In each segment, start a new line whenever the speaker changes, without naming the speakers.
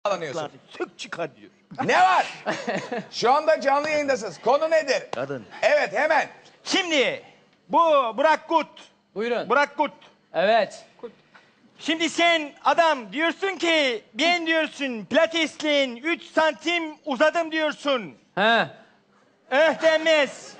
bağlanıyorsun.
Sök çıkar diyor.
Ne var? Şu anda canlı yayındasınız. Konu nedir?
Kadın.
Evet hemen.
Şimdi bu Burak Kut.
Buyurun.
Burak Kut.
Evet.
Şimdi sen adam diyorsun ki ben diyorsun pilatesliğin 3 santim uzadım diyorsun.
He.
Denmez.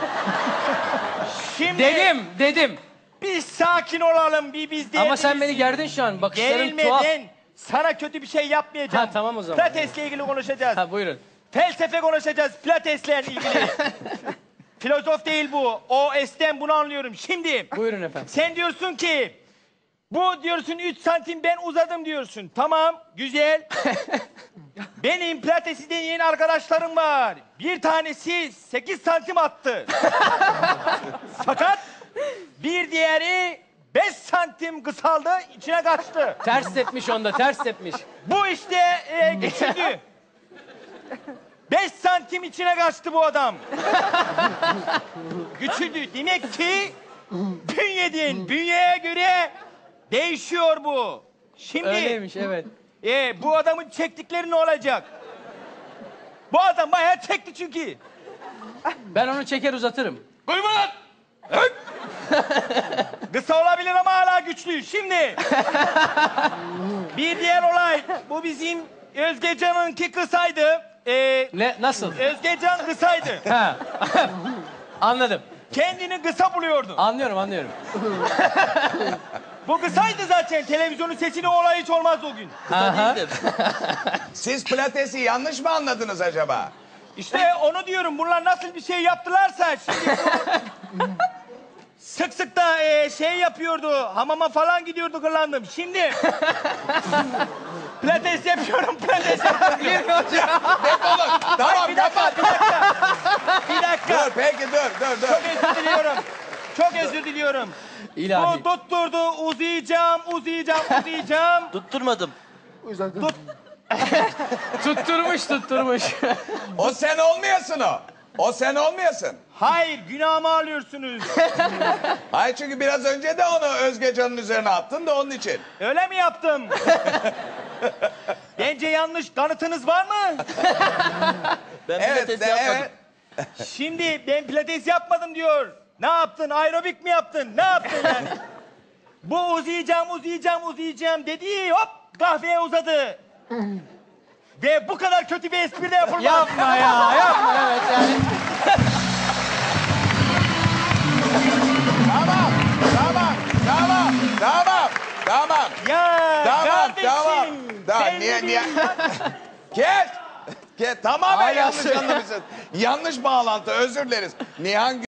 Şimdi
Dedim.
bir sakin olalım bir biz
Ama sen beni gerdin şu an. Bakışların tuhaf.
Gerilmeden sana kötü bir şey yapmayacağım.
Ha, tamam o zaman.
Pilatesle ilgili konuşacağız.
Ha buyurun.
Felsefe konuşacağız pilatesle ilgili. Filozof değil bu. O esten bunu anlıyorum. Şimdi
Buyurun efendim.
sen diyorsun ki bu diyorsun 3 santim ben uzadım diyorsun. Tamam güzel. Benim pilatesi deneyen arkadaşlarım var. Bir tanesi 8 santim attı. Fakat bir diğeri 5 santim kısaldı içine kaçtı.
Ters tepmiş onda, ters tepmiş.
Bu işte geçildi. 5 santim içine kaçtı bu adam. Güçlüdü. Demek ki bünyeye göre değişiyor bu. Şimdi
Öyleymiş evet.
bu adamın çektikleri ne olacak? Bu adam bayağı çekti çünkü.
Ben onu çeker uzatırım.
Duyma lan! Kısa olabilir ama hala güçlü. Şimdi bir diğer olay. Bu bizim Özgecan'ınki kısaydı.
Ne? Nasıl?
Özgecan kısaydı.
Ha. Anladım.
Kendini kısa buluyordu.
Anlıyorum.
Bu kısaydı zaten. Televizyonun sesini olay hiç olmaz o gün.
Aha.
Siz pilatesi yanlış mı anladınız acaba?
İşte onu diyorum. Bunlar nasıl bir şey yaptılarsa şimdi bu... Sık sık da şey yapıyordu. Hamama falan gidiyordu kırlandım. Şimdi pilates yapıyorum.
Defolun. Tamam
Bir dakika. Bir dakika.
Dur peki dur.
Çok özür diliyorum. Çok özür diliyorum.
İlahi.
Bu tutturdu. Uzayacağım.
Tutturmadım.
Tutturmuş.
O sen olmayasın o. O sen olmayasın.
Hayır, günahımı alıyorsunuz.
Hayır çünkü biraz önce de onu Özgecan'ın üzerine attın da onun için.
Öyle mi yaptım? Bence yanlış. Kanıtınız var mı?
Ben
Evet,
pilates yapmadım.
Şimdi ben pilates yapmadım diyor. Ne yaptın? Aerobik mi yaptın? Ne yaptın yani? Bu uzayacağım dedi. Hop kahveye uzadı. Ve bu kadar kötü bir espri de yapılmaz.
Yapma evet yani.
Tamam.
Ya kardeşim.
Tamam.
ben
Niye?
bileyim.
Kes. Tamamen
Hala
yanlış
söyle.
anlamışsın. Yanlış bağlantı özür dileriz. Nihan